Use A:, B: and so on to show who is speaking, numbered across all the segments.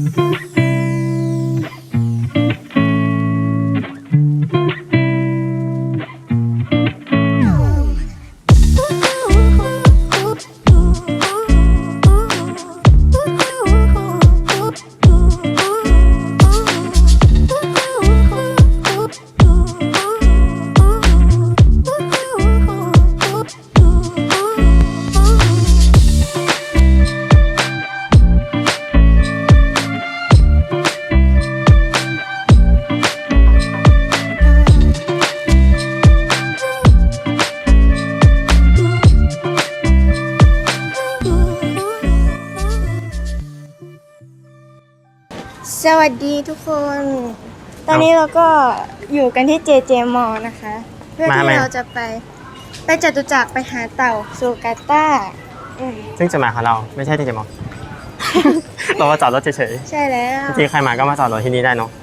A: สวัสดีทุกคน ตอนนี้เราก็อยู่กันที่ JJ Mall นะคะ เพื่อที่เราจะไปจตุจักรไปหาเต่าซูกาต้า
B: ซึ่งจะมาของเราไม่ใช่ที่จะมอง เรามาจอดรถเฉย
A: ๆใช่แล้ว
B: จริงๆใครมาก็มาจอดรถที่นี่ได้เนาะ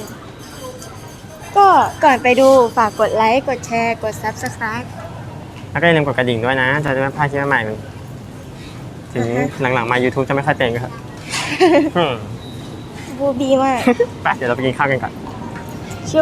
A: ก็ก่อนไปดูฝากกดไลค์กดแชร์กด Subscribe
B: แล้วก็อย่าลืมกดกระดิ่งด้วยนะจะได้ไม่พลาดคลิปใหม่ๆถึงหลังๆมา YouTube จะไม่ค่อยเป็นก็ครับ
A: บูบีมาก
B: ไปเดี๋ยวเราไปกินข้าวกันก่อน
A: ชุบ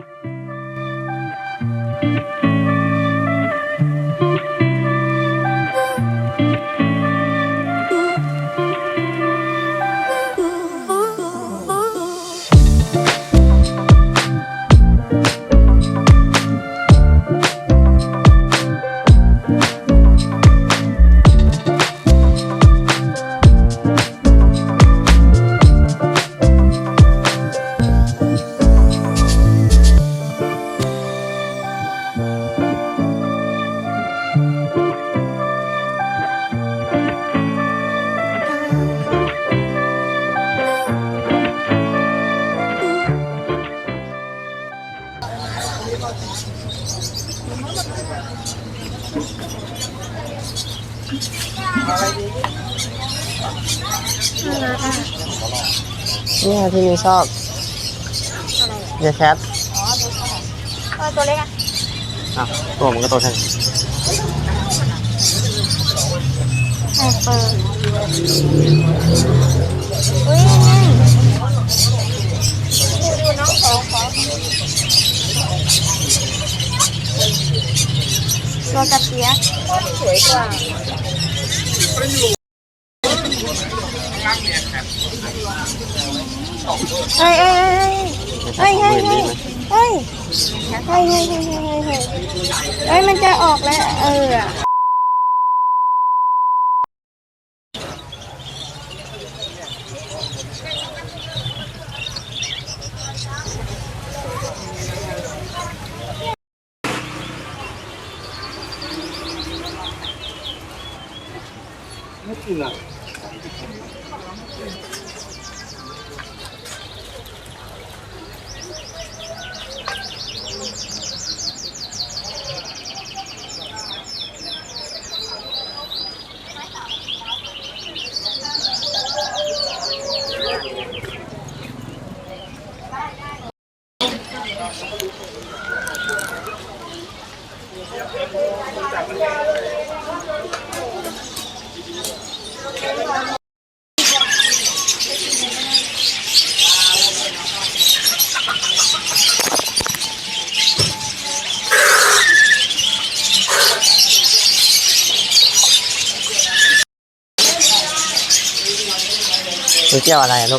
B: นี่ที่นี่ชอบเยแคท
A: ตัวเล็ก
B: ตัวมันก็โตแค่
A: ไฮเปอร์อุ้ยดูน้องขอตัวกระเปียกสวยกว่าเฮ้ยมันจะออกแล้ว
C: ไม่กินอ่ะ
B: ดูเกี่ยวอะไรลูก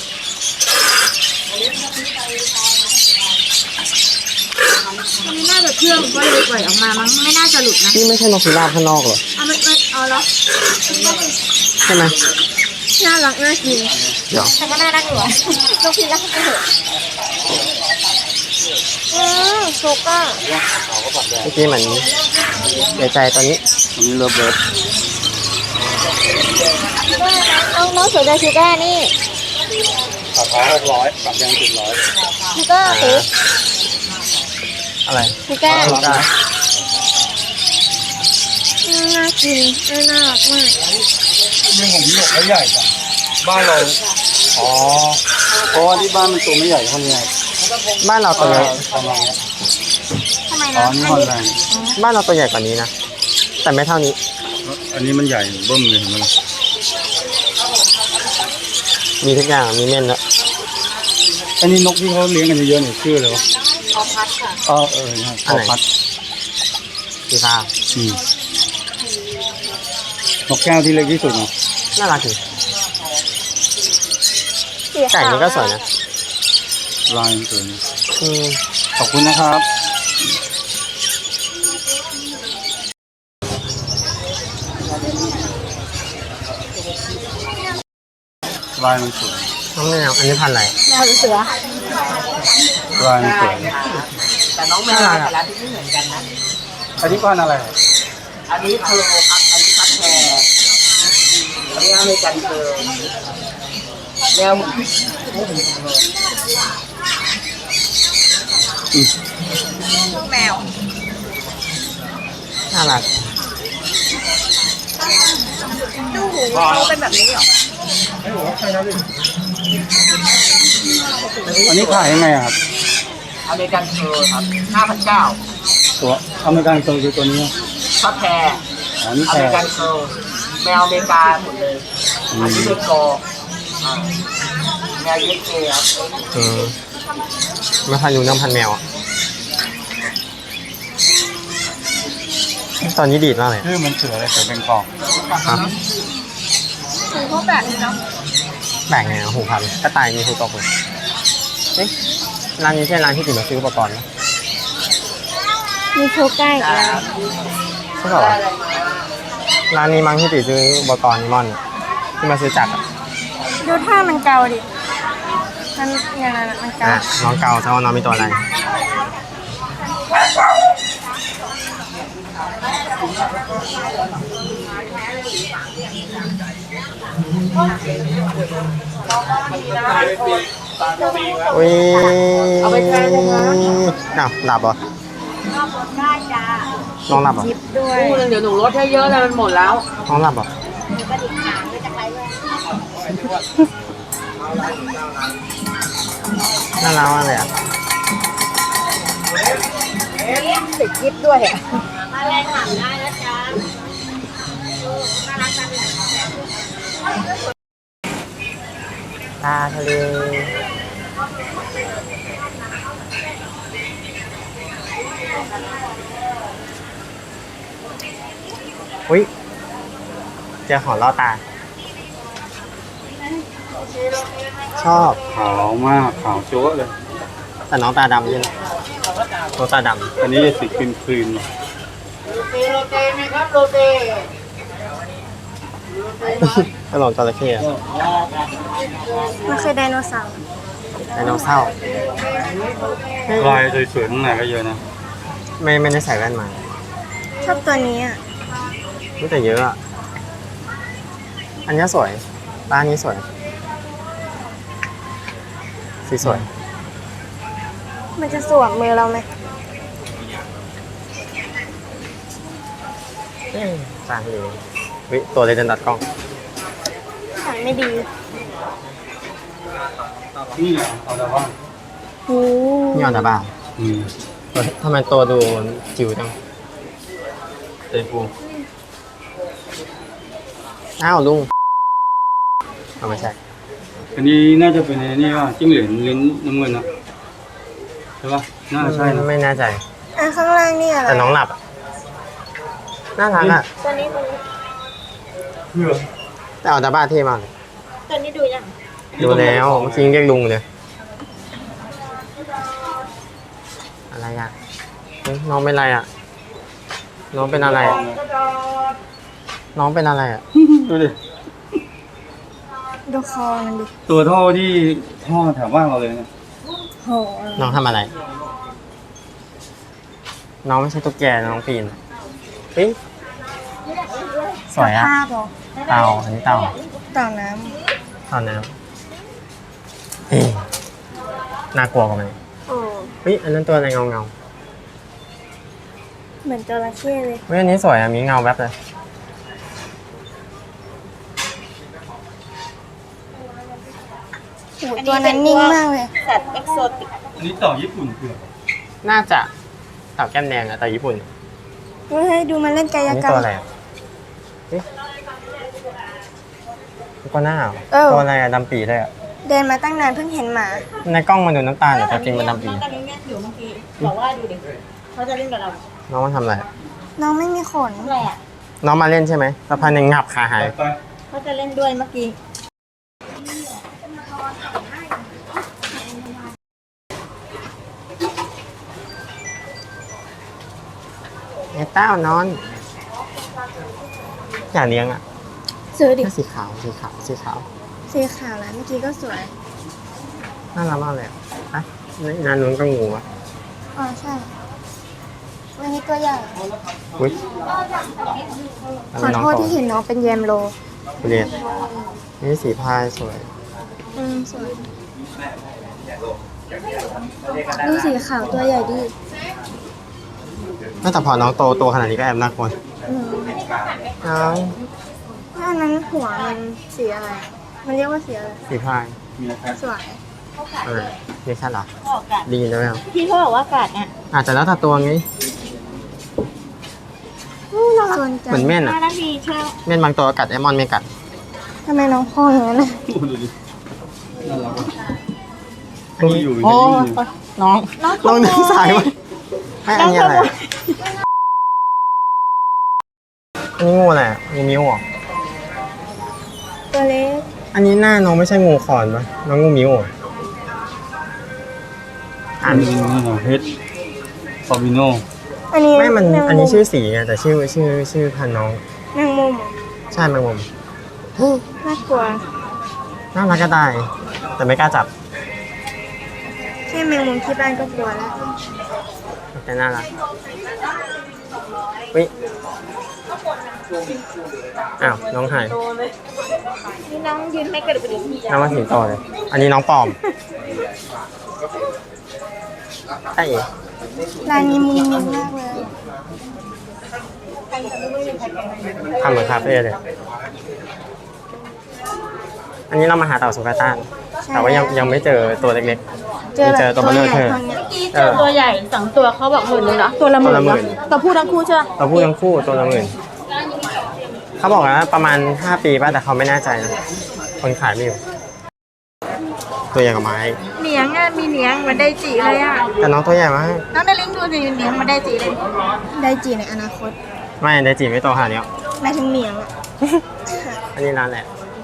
A: มันน่าจะเชื่องก็เลยปล่อยออกมามั้งไม่น่าจะหลุดนะ
B: นี่ไม่ใช่นกพิราบข้างนอกเหรอ
A: ไม่เหรอ
B: ใช่ไหม
A: น่ารักน่ากิน
B: เดี๋ยว
A: แต่ก็น่ารักอยู่นกพิราบก็เหอะโซก้า
B: เมื่อกี้เหมือนใหญ่ใจตอนนี้เลิฟเบิร์ด
A: น้องสวยดาชูก้านี่
C: ราคา600ปรับยัง700
A: ชูก้าสิ
B: อะไร
A: ชูก้าน่ากินน่ารักมาก
C: เรื่องของพี่หยกเขาใหญ่จังบ้านเราเพราะว่าที่บ้านมันตัวไม่ใหญ่เท่านี้
B: บ้านเราตัวใหญ่
C: ประมาณนี้
A: ทำไมนะ
B: บ้านเราตัวใหญ่กว่านี้นะแต่ไม่เท่านี้
C: อันนี้มันใหญ่เบิ้มเลยเห็นไหม
B: มีทุกอย่างมีเม่นแล้ว
C: อันนี้นกที่เขาเลี้ยงกันเยอะๆเนี่ยชื่ออะไรวะ
A: พอพัดค่ะ
C: ใช่พอพัด
B: สีฟ้า
C: อืมนกแก้วที่เล็กที่สุดเนาะ
B: น่ารักดี
A: สี
B: ไก่
A: ขาว
B: นี่ก็สวยนะ
C: ลายสวย
B: อืม
C: ขอบคุณนะครับลายมันสวย
B: น้องแมวอันนี้พันธุ์อะไร
A: แมวหรือเสือ
C: ลายมันสวย
D: แต่น้องแมวแต่ละที่ไม่เหมือนกันนะ
C: อันนี้พันธุ์อะไร
D: อันนี้เพร์ลครับ อันนี้พัดแพรอันนี้อเมริกันเพร์ลแมว
C: อืม
A: แมว
B: น่ารัก
A: ดูหูเขาเป็นแบบนี้เหรอ
C: อันนี้ขายยังไงอะครับ
D: อเมริกันเพร์ลครับ 5,900
C: ตัวอเมริกันตัวคือตัวนี้
D: พัดแพร
C: อ๋อนี่
D: อ
C: แพ
D: เมริกั
C: ง
D: นเพร์ลแมวอเมริกาหมดเลย อันนี้เป็นกออ่าแมวเยสเกครับ
B: อืมไม่พันธุ์ยูน้ำพันธุ์แมวอ่ะตอนนี้ดีดมากเลย
C: ชื่อมันเสืออะไรเสือเป็นกอก
B: ครับ
A: หูเขาแบบนี้เนาะ
B: แบ่งไงอะหูพันกระต่ายมีหูตกเลยเอ๊ะร้านนี้ใช่ร้านที่ติดมาซื้ออุปกรณ์ไหม
A: มีโชว์ใกล้อีกแล้ว
B: ใช่เปล่าวะร้านนี้มั้งที่ติดซื้ออุปกรณ์นิมอนอะที่มาซื้อจักรอะ
A: ดูท่ามันเกาดิ มันอย่างนั้นอะมันเกา
B: อ่ะน้องเกาเจ้าน้องมีตัวอะไรอุ้ยเอาไปแช่เลยนะอ้าวหลับเหรอ
A: ได้จ้า
B: น้องหลับเหรอ
A: จิบด้วย
D: คู่นึงเดี๋ยวหนูลดให้เยอะเลยมันหมดแล้ว
B: น้องหลับเหรอน่ารักมากเลยอ่ะ
A: ติดจิบด้วยอะ
B: ตาทะเลอุ้ยเจอของล่อตา ชอบ
C: ขาวมากขาวจั๊วะเลย
B: แต่น้องตาดำด้วยนะน้องตาด
C: อันนี้จะสีครีมครีม
D: โรเตไหมครับโรเต
B: ำ กระโหลกจระเข้อะ
A: มันคือไดโนเสาร์
B: ไดโนเสาร์
C: ลายสวยๆข้างในก็เยอะนะ
B: ไม่ได้ใส่แว่นมา
A: ชอบตัวนี้อ่ะ
B: รู้แต่เยอะอ่ะ อันนี้สวยร้านนี้สวย สีสวย
A: มันจะสวมมือเราไหม
B: จางเลยวิตัวเลยเดินตัดกล้อง
A: ถ่ายไม่ดี
C: นี่ไงเอาแต่ว่า
A: โอ้
B: นี่ออนตาบ้า
C: อืม
B: ทำไมตัวดูจิ๋วจังเต็มปูอ้าวลุงเอาไม่ใช่
C: อันนี้น่าจะเป็นไอ้นี่ว่าจิ้งเหลนลิ้นน้ำเงินนะใช่ปะน่าใช่นะ
B: ไม่แน่ใจ
A: อ่ะข้างล่างนี่อะไร
B: แต่น้องหลับอะน่ารักอ่ะ
A: ตัวนี้
C: เพื่อ
B: แต่ออนตาบ้าเท่มากเลย
A: ตัวนี้ดูยัง
B: ดูแล้วเมื่อกี้ยังเรียกลุงเลย อะไรอ่ะเฮ้ยน้องเป็นอะไรอ่ะ น้องเป็นอะไรอะน้องเป็นอะไรอ่ะ
C: ดูดิ
A: ดูคอมันดิ
C: ตัวท่อที่ท่อแถวบ้านเราเลยเนี่ย
A: โห
B: น้องทำอะไร น้องไม่ใช่ตุ๊กแกน้องปีนเฮ้ยสวยอ่ะ
A: ภาพเหรอ
B: เต่าอันนี้เต่า
A: เต่าน้
B: เต่าน้ำเฮ้ยน่ากลัวกว่าไหม
A: ำโอ้
B: เฮ้ยอันนั้นตัวอะไรเงา
A: เหมือนจระเข้เลย
B: เฮ้ยอันนี้สวยอ่ะมีเงาแวบเลย
A: โหตัวนั้นนิ่งมากเลย
C: อันนี้เต่าญี่ปุ่นเผือก
B: น่าจะเต่าแก้มแดงอะแต่ญี่ปุ่น
A: เฮ้ยดูมันเล่นกาย
B: อันนี้
A: กรรม
B: ตัวอะไรอะเฮ้ยก็หน้าเหรอ
A: เออ
B: ตัวอะไรอะดำปีเลยอะ
A: เดินมาตั้งนานเพิ่งเห็นหมา
B: ในกล้องมันดูน้ำตาลแต่จริงมันดำปี
E: น้องกันเล่นอยู่เมื่อกี้บอกว่าดูดิเขาจะเล่นกับเรา
B: น้องมาทำอะไร
A: น้องไม่มีขน
E: แหละ
B: น้องมาเล่นใช่ไหมสักพักหนึ่งงับขาหาย
C: ไป
E: เขาจะเล่นด้วยเมื่อกี้
B: ไอ้เต้านอน อยากเลี้ยงอ่ะ
A: ซื้อดิ
B: สีขาวสีขาวสีขาว
A: สีขาวแล้วเมื่อกี้ก็สวย
B: น่ารักมากเลยอะอ่ะนี่นานนู้นก็งูอ่ะ
A: อ๋อใช่วันนี้ตัวใหญ่
B: อุ้ย
A: ขอโทษที่เห็นน้องเป็นแยมโล
B: เรียนนี่สีพายสวย
A: สวยดูสีขาวตัวใหญ่ดิ
B: แต่พอน้องโตตัวขนาดนี้ก็แอบน่ากลัว
A: อืม
B: น้อง
A: ถ้าอันนั้นหัวมันสีอะไร มันเรียกว่าสีอะไร
B: สีพาย
C: มีอะไร
A: สวย
B: นี่ใช่เหรอ
E: ออกกัด
B: ดีได้ไหม
E: พี่เขาบอกว่ากัดเนี่ย
B: อาจจะแล้วแต่ตัวไง
A: ส่วนจั
B: เหมือนเม่นอ่ะ
E: 5 นาทีเช่า
B: เม่นบางตัวกัดไอมอนไม่กัด
A: ทำไมน้องพ่ออย่างนั้นน่ะ
C: ดูดิน่ารักว่ะ
B: อันนี้
C: อยู่ใน
B: โอ้
C: นี้
B: น้องน้องดึงสายไว้ให้อันนี้อะไรอะอันนี้งูอะไรอะงูมิ้วเหรอ
A: ตัวเล็ก
B: อันนี้หน้าน้องไม่ใช่งูขอนปะน้องงูมิ้วเหรอ
C: อันนี้เฮดฟาบิโน
A: อันนี้
B: ไม่มัน
A: แง
B: อันนี้ชื่อสีไงแต่ชื่อพันธุ์น้อง
A: แมงมุมเหรอ
B: ใช่แมงมุม
A: น่ากลัว
B: น่ารักก็ได้ แต่ไม่กล้าจับ
A: แค่แมงมุมที่บ้านก็กลัวแล้ว
B: แต่น่ารักวิอ้าวน้องหาย
E: นี่น้องยืนไม่กระดุกกระดิก
B: น้องมาสิงโตเลย อันนี้น้องปลอมใช่เอ๋
A: ร้านนี้มุมมิงมากเลย
B: ทำเหมือนคาเฟ่เลย อันนี้เรามาหาเต่าสุกาต้าน แต่ว่ายังไม่เจอตัวเล็ก
A: เจอแบบ
B: เจอตัวเบลอเธอ
A: ตัวใหญ่
E: เจอตัวใหญ่2 ตัวเขาบอก10,000เลยเหรอตัวละหมื่น
B: ตัวละหมื่น
E: ตัวผู้ทั้งคู่ใช่ไหม
B: ๆเราพูดทั้งคู่ตัวละหมื่นเขาบอกว่าประมาณ5 ปีป่ะแต่เขาไม่แน่ใจนะคนขายไม่อยู่ ตัวใหญ่กว่าไม้
E: เหนียงอ่ะมีเหนียงเหมันได้จีเลยอ่ะ
B: แต่น้องตัวใหญ่มาก
E: น้องได้ลิงก์ดูสิเหนียงมันได้จีเลย
A: ได้จีในอนาคต
B: ไม่ได้จีบไม่โตขนาดนี้หรอก
A: หมายถึงเหมียงอะ
B: อันนี้ร้านแหละ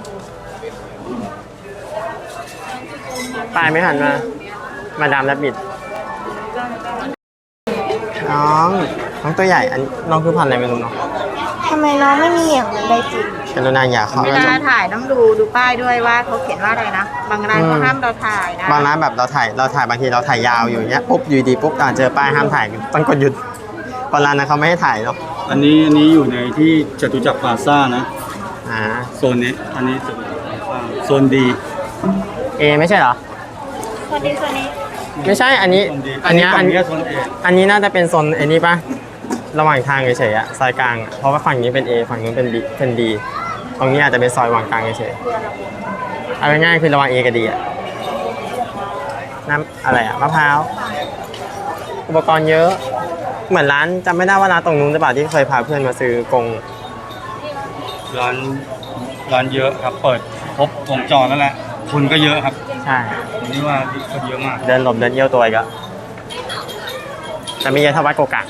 B: ปลายไม่หันมาดามและบิดน้องตัวใหญ่อันน้องคือพันธุ์อะไรไม่รู้เนาะ
A: ทำไมน้องไม่มีเหมียงเหมือนได้จี
B: กรุณาอย่าเข้า
E: เว
B: ก็จ
E: ลา
B: บ
E: ถ่ายต้องดูป้ายด้วยว่าเขาเขียนว่าอะไรนะ บางร้านเขาห้ามเราถ่ายนะ
B: บางร้านแบบเราถ่ายบางทีเราถ่ายยาวอยู่เนี้ยปุ๊บอยู่ดีปุ๊บเจอป้ายห้ามถ่ายต้องกดหยุดบางร้านนะเขาไม่ให้ถ่ายเนาะ
C: อันนี้อยู่ในที่จตุจักรพลาซ่านะ
B: อ่า
C: โซนนี้ อันนี้จตุจักรพลาซ่าโซนดี
B: เอไม่ใช่เหรอ
E: คนนี้คนนี้
B: ไม่ใช่อันนี้
C: โซนดี
B: อันเนี้ย
C: ฝั่
B: อั
C: ง
B: น
C: นี้ก็โซนเอ
B: อันนี้น่าจะเป็นโซนไอ้นี่ปะระหว่างทางเฉยๆอะซอยกลางอะเพราะว่าฝั่งนี้เป็น A ฝั่งนู้นเป็น B เป็น D ตรงนี้อาจจะเป็นซอยระหว่างกลางเฉยๆเอาง่ายๆคือระหว่าง A กับ D อะน้ำอะไรอะมะพร้าวอุปกรณ์เยอะเหมือนร้านจำไม่ได้ว่าร้านตรงนู้นหรือเปล่าที่เคยพาเพื่อนมาซื้อกง
C: ร้านเยอะครับ เปิดครบวงจรแล้วแหละคนก็เยอะครับ
B: ใช่
C: ผมนี่ว่าคนเยอะมาก
B: เดินหลบเดินเยี่ยวตัวอีกอะแต่ไม่เยอะเท่าวัดโกกะ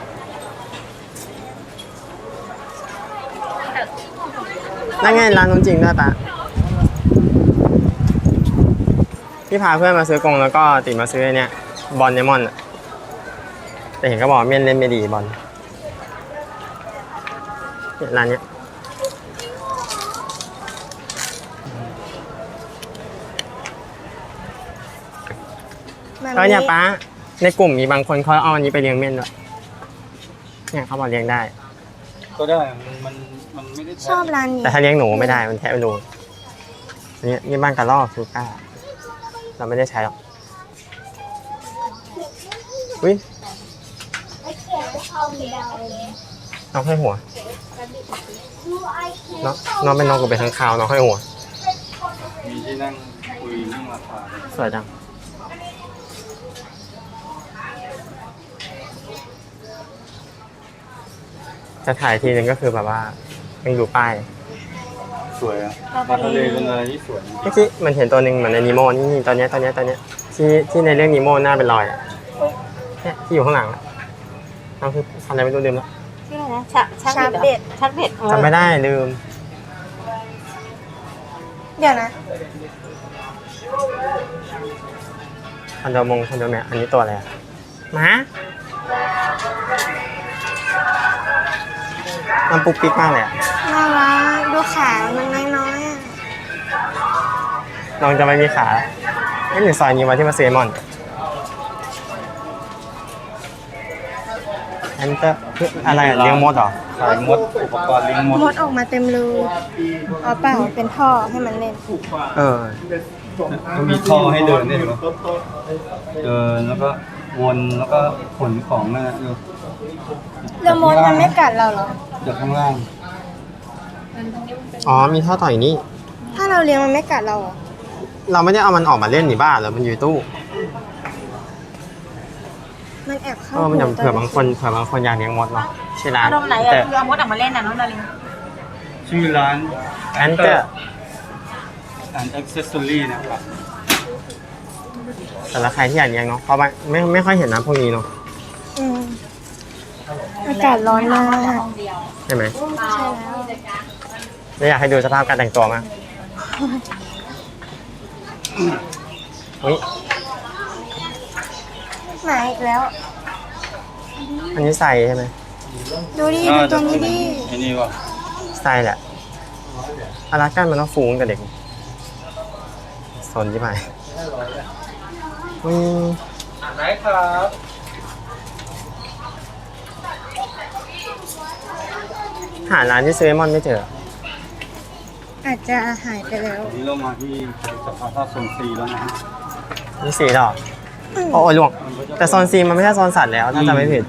B: นั่นไงร้านนู้นจริงด้วยปะที่พาเพื่อนมาซื้อกงแล้วก็ติดมาซื้อไอ้เนี่ยบอลเนมอนอะแต่เห็นก็บอกว่าเม่นเล่นไม่ดีบอลเนี่ยร้านเนี้ยเนี่ยป้าในกลุ่มมีบางคนเขาเอาอันนี้ไปเลี้ยงเม่นด้วยเนี่ยเขาบอกเลี้ยงได้
C: ก็ได้มันไม่ได้
A: ชอบร้านนี้
B: แต่ถ้าเลี้ยงหนูไม่ได้มันแทะไม่รู้อันนี้นี่บ้านกระรอกซูก้าเราไม่ได้ใช้หรอกอุ้ยน้องให้หัวน้องเป็นน้องกูเป็นข้างคาวน้องให้หัว
C: มีที่นั่งคุยเรื่องราคา
B: สวยจังจะถ่ายทีนึงก็คือแบบว่ายังอยู่ป้าย
C: สวยอะปลาทะเลเป็นอะไรที่สวย
B: เมื่อกี้มันเห็นตัวหนึ่งเหมือนในนีโมนี่ตัวเนี้ยที่ในเรื่องนีโมหน้าเป็นรอยอะเนี่ยที่อยู่ข้างหลังอะนั่นคืออะไรไม่รู้ลืมแล้ว
E: ชื่ออะไรนะชักเบ็ดชักเบ็ด
B: จำไม่ได้ลืม
A: เดี๋ยวนะ
B: คอนโดแมอันนี้ตัวอะไรอะหมามันปุ๊กปิ๊กมากเลยอะ
A: น่ารักดูขามันน้อยๆอ่ะ
B: น้องจะไม่มีขาไอ้หนึ่งซอยนี้มาที่มาเซมอนแอนเตอร์คืออะไรอะเลี้ยงมดเหรอ
C: ขายมดอุปกรณ์เลี้ยงมด
A: มดออกมาเต็มรูอ๋อเปล่าเป็นท่อให้มันเล่น
B: เออ
C: ก็มีท่อให้เดินได้ไหมเดินแล้วก็วนแล้วก็ขนของนั่นนะดู
A: แล้วมดมันไม่กัดเราเหรอ
C: จากข้างล่าง
B: อ๋อมีท่อต่ออย่างนี้
A: ถ้าเราเลี้ยงมันไม่กัดเราเหรอ
B: เราไม่ได้เอามันออกมาเล่นหนิบ้าเหรอมันอยู่ในตู้
A: มันแอบเข้า
B: มันจะ
A: หู
B: เผื่อบางคนอยากเลี้ยงมดเนาะชื่อร้าน
E: อารมณ์ไหน
B: แต่
E: อะคือเอามดออกมาเล่นน่ะน้องดาริน
C: ชื่อร้าน
B: แอนเตอร์
C: and accessory นะครับ
B: แต่ละใครที่อยากเลี้ยงเนาะเพราะว่าไม่ค่อยเห็นน้ำพวกนี้เนาะ
A: อืมอากาศร้อนมาก
B: ใช่ไหม
A: ใช่แล้ว
B: แล้วอยากให้ดูสภาพการแต่งตัวมากอุ๊ย
A: หมาอีกแล้ว
B: อันนี้ใส่ใช่ไหม
A: ดูดิดูตัวนี้ดิ
C: ไอ้นี่ว่ะ
B: ใส่แหละอารากันมันต้องฟูงกับเด็กสนที่ไหน
C: ได้ครับ
B: หาร้านที่ซื้อเลมอนไม่เจอ
A: อาจจะหายไปแล้ว
C: วันนี้เรามาที่สภาท่าโซนซีแล้วนะ
B: มีสีดอกโอ้ยล่วงแต่โซนซีมันไม่ใช่โซนสัตว์แล้วถ้าจำไม่ผิด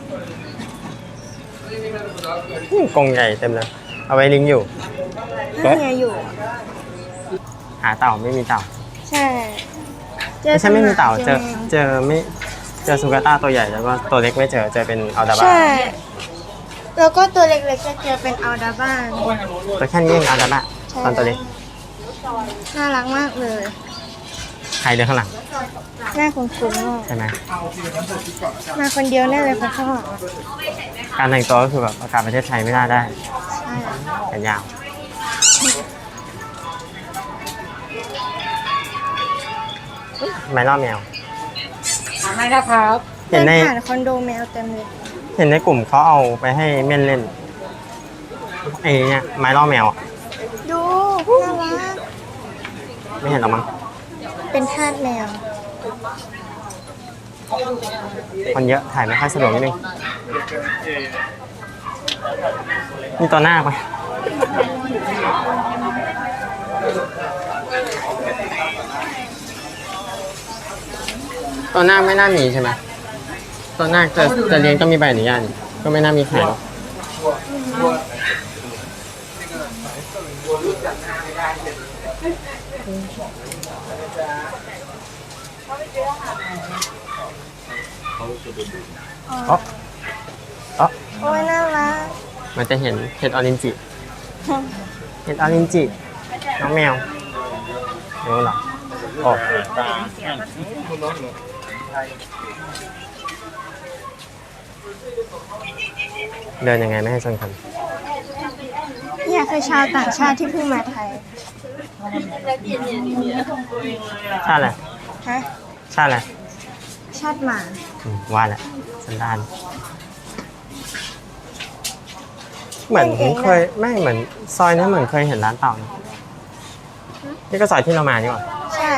B: กรงใหญ่เต็มเลย เอาไว้ลิงก์อยู่
A: ถ้าเฮียอยู่
B: หาเต่าไม่มีเต่า
A: ใช่
B: ไม่ใช่ไม่มีเต่า
A: เจอ
B: เจอซูกาต้าตัวใหญ่แล้วก็ตัวเล็กไม่เจอเป็นอัลดาบ้า
A: ใช่ แล้วก็ตัวเล็กๆจะเจอเป็นอัลดาบ้าน
B: ตัวแค่นี้เองอัลดาบ้า
A: ใช่
B: ตอนตัวเล็ก
A: น่ารักมากเลย
B: ใครเดินข้างหลัง
A: หน้าคุ้นๆมาก
B: ใช่ไหม
A: มาคนเดียวแน่เลยคนข้างหลังอะ
B: การแต่งตัวก็คือแบบประกาศประเทศไทยไม่น่าได้
A: ใช่
B: แขนยาวไม่ล่อแมว
E: ไม่นะครับ
B: เห็นใน
A: ผ่านคอนโดแมวเต็มเลย
B: เห็นในกลุ่มเขาเอาไปให้เม่นเล่นไอ้เนี่ยไม้ล่อแมวอะ
A: ดูน่ารัก
B: ไม่เห็นหรอมั้ง
A: เป็นทาสแมว
B: คนเยอะถ่ายไม่ค่อยสะดวกนิดนึงมีตัวหน้าปะตัวหน้าไม่น่ามีใช่ไหมตัวหน้าจะเลี้ยงต้องมีใบอนุญาตนี่ก็ไม่น่ามีขายหรอกอ๋อ
A: โอ้ยน่ารัก
B: มันจะเห็นเห็ดออรินจิ เห็ดออรินจิ น้องแมวรู้เหรอโอ้เดินยังไงไม่ให้ชนคน
A: เนี่ยคือชาวต่างชาติที่เพิ่งมาไทย
B: ชาติอะไร
A: ฮะ
B: ชาติอะไร
A: ชาติหมา
B: ว่าแหละสันดานเหมือนเคยไม่เหมือนซอยนี้เหมือนเคยเห็นร้านเต่านะนี่ก็ซอยที่เรามานี่หว่า
A: ใช่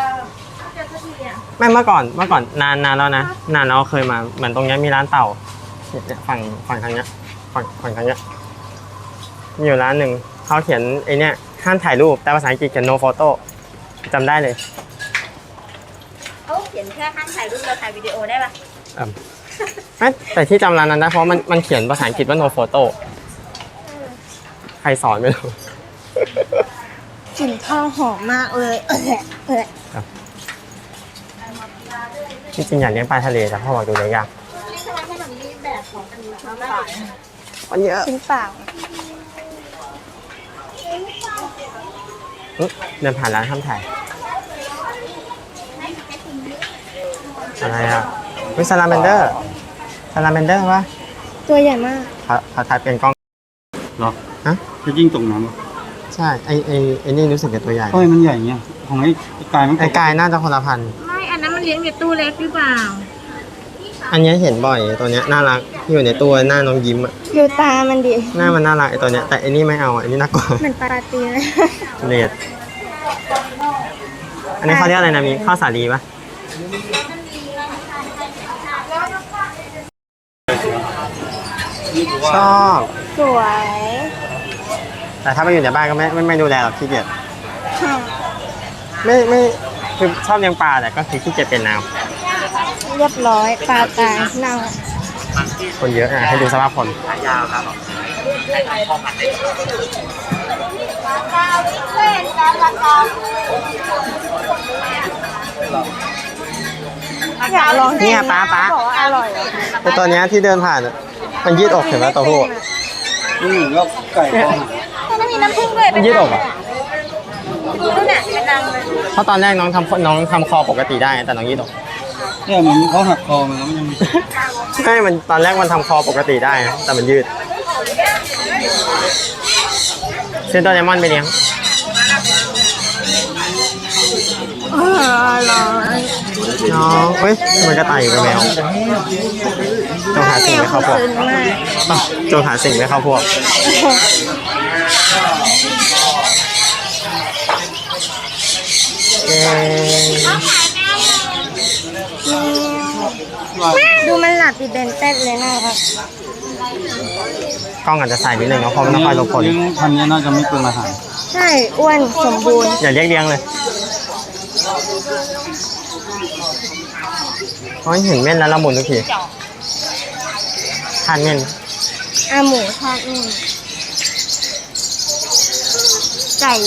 B: ไม่เมื่อก่อนนานแล้วนะนานแล้วเคยมาเหมือนตรงนี้มีร้านเต่าเนี่ยฝั่งทางเนี้ยฝั่งทางเนี้ยมีอยู่ร้านหนึ่งเขาเขียนไอเนี้ยห้ามถ่ายรูปแต่ภาษาอังกฤษเขียน no photo จำได้เลย
E: เขาเขียนแค่ห้ามถ่ายรูปเราถ่ายวิดีโอได้ปะ
B: แต่ที่จำร้านนั้นได้เพราะมันเขียนภาษาอังกฤษว่า no photo ใครสอนไม่รู้
A: กลิ่นทองหอมมากเลยเออ
B: ที่จริงอยากเลี้ยงปลาทะเลแต่พ่อบอกดูเลยยากมันเยอะ
A: กินเปล่า
B: เดินผ่านร้านทำถ่ายอะไรอ่ะวิซาลาเมนเดอร์วะ
A: ตัวใหญ่มาก
B: เขาถ่ายเป็นกล้อง
C: เหรอ
B: ฮะ
C: จะยิ่งตรงน้ำเหรอ
B: ใช่ไอ้นี่รู้สึกจะตัวใหญ่
C: ทำไมมันใหญ่เงี้ยของไอ้กายมัน
B: ไอ้กายน่าจะคนละพันธุ์
E: ไม่ อันนั้นมันเลี้ยงในตู้เล็กหรือเปล่า
B: อันนี้เห็นบ่อยตัวเนี้ยน่ารักที่อยู่ในตัวหน้าน้องยิ้มอ่ะ
A: ดูตามันดิ
B: หน้ามันน่ารักไอ้ตัวเนี้ยแต่ไอ้นี่ไม่เอาไอ้นี่น่ากลัว
A: เหมือนปลาตีนเลย
B: เลดอันนี้เขาเรียกอะไรนะมีข้าวสาลีปะชอบ
A: สวย
B: แต่ถ้าไปอยู่ในบ้านก็ไม่ดูแลหรอกขี้เกียจไม่คือชอบเลี้ยงปลาแต่ก็คือขี้เกียจเป็นน้
A: เรียบร้อยปลาตายเน่า
B: ำคนเยอะอ่ะให้ดูสภาพคน
D: ยาวครับ
A: อยากลอง
B: เนี่ยป้า
A: บอกว่าอร่อย
B: ไอตัวเนี้ยที่เดินผ่านอะมันยืดอกเห็นไหมตัวผู้
C: นี่เหมือนกับไก่ทอด
A: มันมีน้ำผึ้งด้วย
B: มันยืดอกอ่ะ
A: นู่นน่ะเป็นรังเลย
B: เพราะตอนแรกน้องทำคอปกติได้แต่น้องยืดอก
C: เนี่ยเหมือนเขาหักคอมันแล้วมันยัง
B: ใช่มันตอนแรกมันทำคอปกติได้นะแต่มันยืดซื้อตัวไดมอนด์ไปเลี้ยง
A: อร่อย
B: น้องเฮ้ยมันกระต่ายอยู่กับแมวจงหาสิ่งไม่เข้าพวก
A: ซึ้งมาก
B: จงหาสิ่งไม่เข้าพวกเอ๊ะ
A: ดูมันหลับดิเบนเต้นเลยนะครับ
B: กล้องอาจจะใส่นิดนึงเนาะเพราะมันต้องคอยหลบฝน
C: เลี้ยงพันธุ์นี้น่าจะไม่เปลืองอาหาร
A: ใช่อ้วนสมบูรณ์
B: อย่าเรียกเลี้ยงเลยเพราะเห็นเม่นแล้วละมุนทุกทีทานเม่น
A: หมูทอดนี่ไก่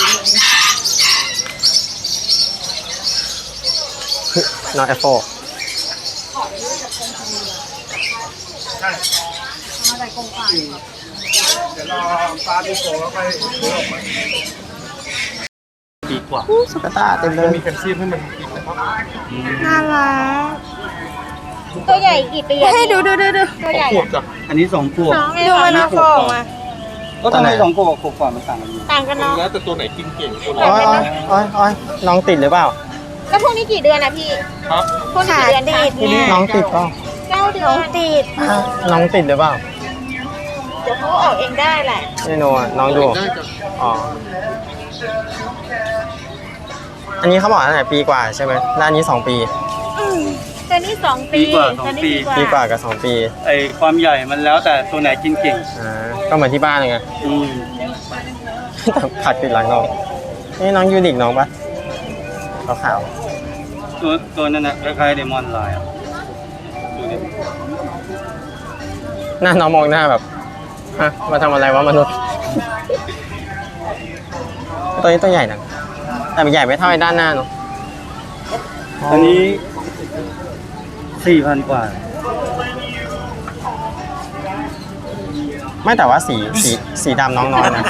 B: น้องแอปเปิลดีกว่าสุกตาเต็มเลยมีแคลเซียมให้มันกินนะครับ
A: น่ารัก
E: ตัวใหญ่กี่ปีอะ
A: ให้ดู
E: ตัวใหญ่
B: ขวบจ้ะ
C: อันนี้2 ขวบ
E: น้องไง
A: ดูมันเอาฟองมา
C: ก็ทำไม2 ขวบกับขวบกว่ามันต่างกันอยู่
E: ต่างกันเนาะ
B: แล้วแต่ตัวไหนกินเก่งตัวไหนอ้อยน้องติดหรือเปล่า
E: แล้วพวกนี้กี่เดือนอะพี่
B: ครับ
E: พวกนี้
A: ขา
E: กี่เดือน
A: ติ
E: คะ
A: ดเนี่ย
B: น้องติดเปล่า
E: 9 เดือ
A: น้อง
E: น
A: ติด
B: น้องติดหรือเปล่า
E: เดี๋ยวเขาออกเองได้แหละ
B: ไม่รู้อ่ะน้องดูอ๋ออันนี้เขาบอกตั้งแต่ปีกว่าใช่ไหมแล้วอันนี้2 ปี
E: ตัวนี้2 ปี
C: ปีกว่า
E: ตัวนี้
C: 2 ปี
B: ปีกว่ากับ2 ปี
C: ไอความใหญ่มันแล้วแต่ตัวไหนกินเก่ง
B: ก็เหมือนที่บ้านเลยไง แต่ผัดติดหลังน้องนี่น้องยูนิคน้องปะขาว
C: ตัวนั้นนะคล้ายๆเดมอนไลน์ดูดิ
B: ๆหน้าน้องมองหน้าแบบฮะมาทำอะไรวะมนุษย์ ตัวนี้ตัวใหญ่นะแต่มันใหญ่ไม่เท่าไอ้ด้านหน้าเนาะ
C: อันนี้ 4,000 กว่า
B: ไม่แต่ว่าสีดำน้องน้อยนะ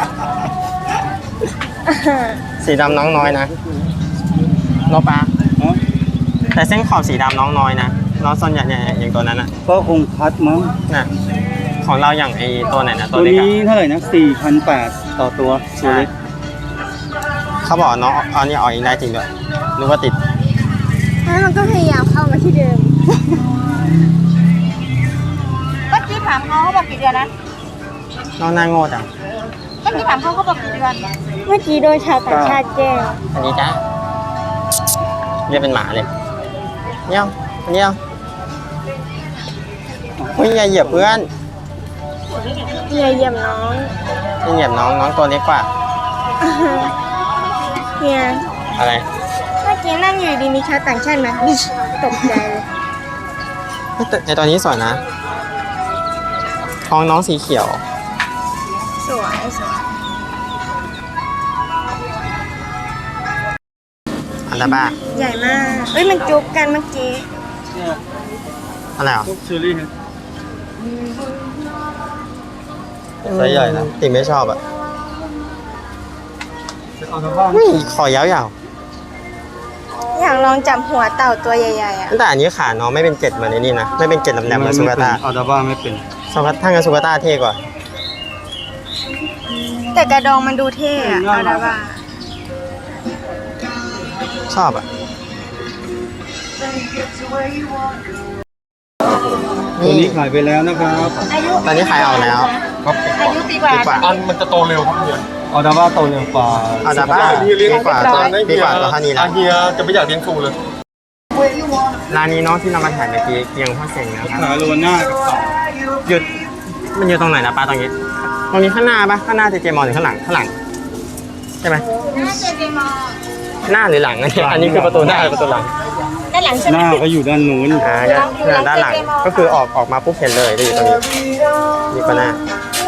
B: สีดำน้องน้อยนะโนปะ
C: เนาะ
B: แต่เส้นขอบสีดำน้องน้อยนะน้องส่วนใหญ่อย่างตัวนั้นน่ะ
C: ก็คงคัดมั้ง
B: น่ะของเราอย่างไอตัวไหนนะ
C: ตั
B: ตัว วเล็ก
C: นี้
B: อะ
C: เท่าไหร่นะ 4,800 ต่อตัวตัวเล็ก
B: เขาบอกน้องเอานี่ออกเองได้จริงด้วยนึกว่าติด
A: แล้วมันก็พยายามเข้ามาที่เดิม
E: เมื่อกี้ถามเขาบอกกี่เดือนนะ
B: น้องหน้าโง่จัง
E: เมื่อกี้ถามเขาบอกกี่เดือน
A: เมื่อกี้โดนชาวต่างชาติแกล้ง
B: อันนี้จ้าเรียกเป็นหมาเลยเนี่ยอันนี้เอาเฮ้ยอย่าเหยียบเพื่อน
A: อย่าเหยียบน้อง
B: อย่าเหยียบน้องตัวเล็กกว่า
A: เนี่ย
B: อะไร
A: เมื่อกี้นั่งอยู่ดีมีชาวต่างชาติมาตกใจเลย
B: เฮ้ยแต่ไอตัวนี้สวยนะท้องน้องสีเขียว
A: สวย
B: อันละบ้า
A: ใหญ่มากเฮ้ยมันจุ๊บกันเมื่อกี้
C: เนี่ย
B: อะไรอ่ะ
C: พวกเชอรี่ไซส์ใหญ่นะ
B: ติไม่ชอบอ่ะ
C: เอาทางบ้าน
B: นี่คอยาว
A: อยากลองจับหัวเต่าตัวใหญ่ๆอ่ะ
B: ๆแต่อันนี้ขาน้องไม่เป็นเกล็ดเหมือนไอ้นี่นะไม่เป็นเกล็ดแหลมๆเหมือนสุกาต้า
C: เอาทางบ้านไม่เป็น
B: ถ้างั้นสุกาต้าเท่กว่า
A: แต่กระดองมันดูเท่อะเอาละว่า
B: ชอบอ่ะ
C: ตัวนี้ขายไปแล้วนะครับ
E: อายุ
B: ตอนนี้ขายออกแล้ว
C: ครับ
E: อายุปีกว่า
B: ดีกว่า
C: อันมันจะโตเร็วครับเฮียเอาทางบ้านโตเร็วกว่า
B: เอาดาบ้าดีกว่าตัวเท่านี้แล้ว
C: เฮียจะไม่อยากเลี้ยงฟูเลย
B: ร้านนี้เนาะที่เรามาถ่ายเมื่อกี้เกียงพ่อเสงนะครับ
C: ขายโลหน้ากับเต่า
B: หยุดมันอยู่ตรงไหนนะป้าตรงนี้ข้างหน้าปะข้างหน้าเจเจมอหรือข้างหลังใช่ไหม
E: หน้าเจเจมอ
B: หน้าหรือหลังอันนี้คือประตูหน้าหรือประตูหลัง
E: ด้านหลังใช่
C: ห
E: ไหม
C: น้าก็อยู่ด้านนู้น
B: ก็ด้านหลังก็คือออกมาปุ๊บเห็นเลยจะอยู่ตรงนี้นี่ก็หน้า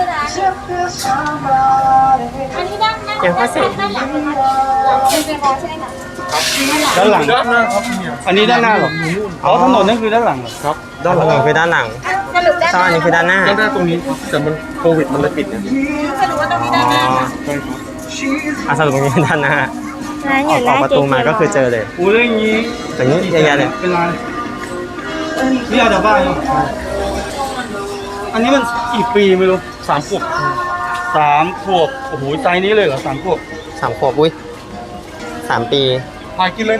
E: อันนี้ด้านหน้า
B: เกียงพ่อเสง
E: ด้านหลังหลังเจเจมอใช่ไหมคะ
C: ด้านหลังอันนี้ด้านหน้าเหรออ๋อถนนนั่นคือด้านหลังเหรอครับ
B: ด้านหลังคือด้านหลัง
E: สรุปด้าน
B: ใช่อันนี้คือด้านหน้า
C: ด้านหน้าตรงนี้แต่มันโควิดมันเลยปิดนะ
E: สรุปว่าตรงนี้ด้านหน้าค่ะ
B: สรุปตรงนี้คือด้านหน้า
A: ร้านอ
B: ออยู่ ก
A: ร้าน
B: ประ
A: เจ
B: ตู
A: เจม
B: มาก็คือเจอเลย
C: อู้เรื่องนี้
B: ตรงนี้เยอะแยะเลย
C: เป็นไรนี่เอาจากบ้านเหรออันนี้มันกี่ปีไม่รู้3 ขวบ3 ขวบโอ้โหไซส์นี้เลยเหรอ3 ขวบ
B: 3 ขวบอุ้ย3 ปี
C: ถ่ายกินเลยนะ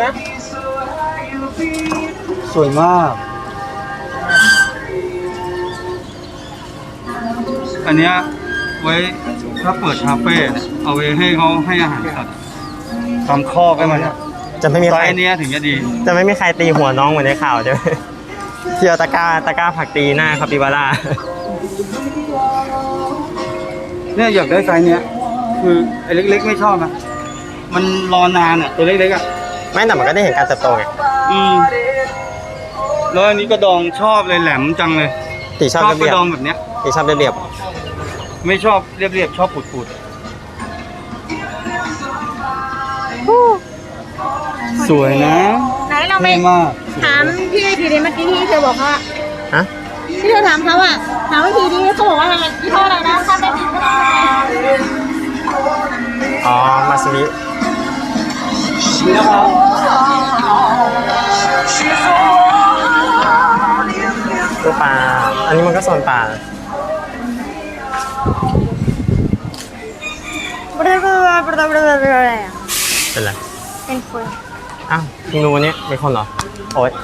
C: สวยมาก อันเนี้ยไว้ถ้าเปิดคาเฟ่เนี่ยเอาไว้ให้เขาให้อาหารสัตว์ทำคอกให้มัน
B: จะไม่มี
C: ไซ
B: ใคร
C: ส์เนี้ยถึงจะดี
B: จะไม่มีใครตีหัวน้องเหมือนในข่าวใช่ไหมเที่ยวตะกร้าผักตีหน้าคาปิบาร่า
C: เนี่ยอยากได้ไซส์เนี้ยคือไอ้เล็กๆไม่ชอบนะมันรอนานอ่ะตัวเล็กๆอ่ะ
B: ไม่แต่มันก็ได้เห็นการเติบโตไง
C: แล้วอันนี้กระดองชอบเลยแหลมจังเลย
B: ตีชอบ
C: ก
B: เรี
C: ระ
B: ยบ
C: ดองแบบเนี้ย
B: ๆตีชอบเรียบ
C: ไม่ชอบเรียบๆชอบปูดๆสวยนะ
E: ไหนเราไม่
C: เท่มาก
E: ถามพี่ทีนี้เมื่อกี้ที่เธอบอกว่า
B: ๆฮะ
E: ที่เธอถามเขาอะถามว่าทีนี้เขาบอกว่าอะไรยี่ห้ออะไรนะถ้าไม่ผิดก็ได้
B: อ๋อมาซูริ
C: นะครับ
B: ตัวปลาอันนี้มันก็โซนปลา เป็นไร
A: เป็นคน
B: อ้าวเพิ่งรู้วันนี้เป็นคนเหรอโอ๊ย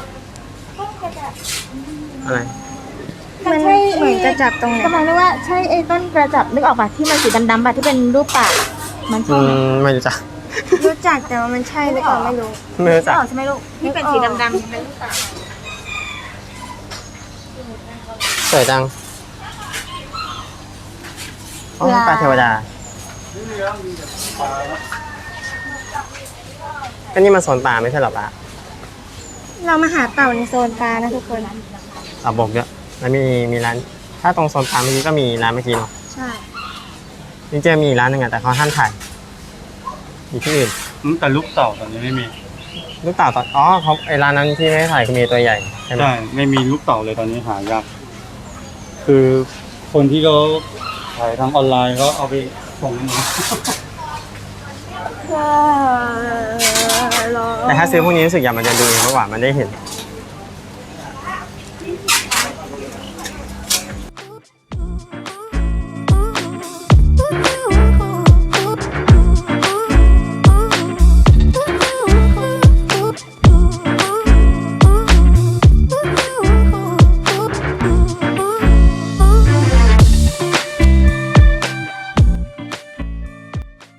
B: อะไร
A: มันเหมือนจะจับตรงไหน
E: กำลังนึกว่าใช่ไอ้ต้นกระจับนึกออกป่ะที่มันสีดำๆป่ะที่เป็นรูปปากมันใช่ไหม
B: ไม่รู้จัก
A: รู้จักแต่ว่ามันใช่หรือเปล่าไม่รู้
B: ไม่รู้จัก
E: ออกใช่ไหมลูกที่เป็นสีดำๆเป็นรูปปาก
B: สวยจังอ๋อปลาเทวดาก็นี่มันโซนปลาไม่ใช่เหรอปะ
A: เรามาหาเต่าในโซนปลานะทุกคน
B: บอกเยอะแล้วมีร้าน ถ้าตรงโซนปลาเมื่อกี้ก็มีร้านเมื่อกี้เนาะ
A: ใช่
B: จริงๆมีร้านหนึ่งอะแต่เขาห้ามถ่ายอยู่ที่อื่น
C: แต่ลูกเต่าตอนนี้ไม่มี
B: ลูกเต่าตอนเขาไอร้านนั้นที่ไม่ให้ถ่ายคือมีตัวใหญ่ใช่ไหม
C: ใช่ไม่มีลูกเต่าเลยตอนนี้หายากคือคนที่เขาขายทางออนไลน์เขาเอาไปส่งมา
B: แต่ถ้าซื้อพวกนี้รู้สึกอยากมันจะดูมากกว่ามันได้เห็น